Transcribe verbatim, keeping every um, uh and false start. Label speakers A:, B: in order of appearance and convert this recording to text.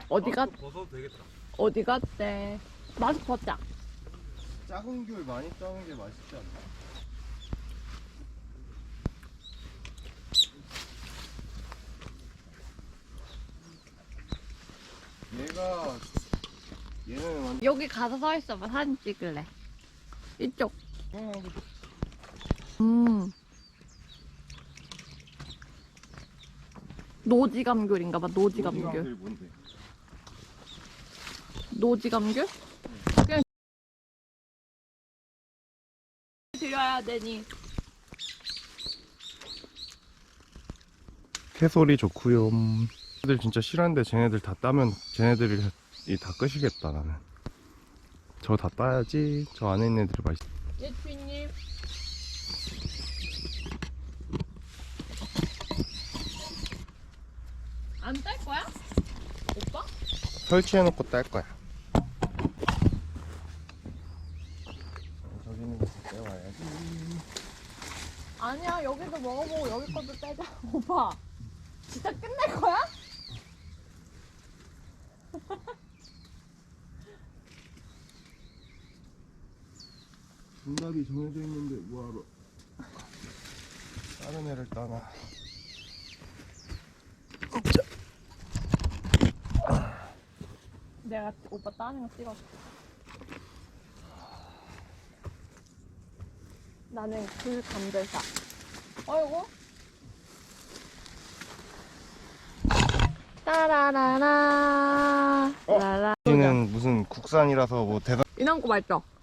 A: 어디 갔?
B: 벗어도 되겠다.
A: 어디 갔대? 마스크 벗자.
B: 작은 귤 많이 따는 게 맛있지 않나? 얘가 얘는 완전
A: 여기 가서 서 있어봐. 사진 찍을래. 이쪽. 음. 노지감귤인가봐. 노지감귤.
B: 노지감귤 뭔데?
A: 노지감귤? 그냥 드려야 되니.
B: 새소리 좋구요. 애들 진짜 싫어하는데 쟤네들 다 따면 쟤네들이 다 끄시겠다. 나는 저 다 따야지. 저 안에 있는 애들이 맛있어.
A: 예, 주인님. 안 딸 거야? 오빠?
B: 설치해놓고 딸 거야. 저기 있는 거 떼와야지.
A: 아니야, 여기도 먹어보고 여기 것도 떼자. 오빠, 진짜 끝낼 거야?
B: 정답이 정해져 있는데 뭐하러 다른 애를 따나.
A: 내가 오빠 따는 거 찍었어. 나는 귤 감별사. 어이구. 따라라라.
B: 어?
A: 라라.
B: 여기는 무슨 국산이라서 뭐 대단.
A: 이남고 맛있죠?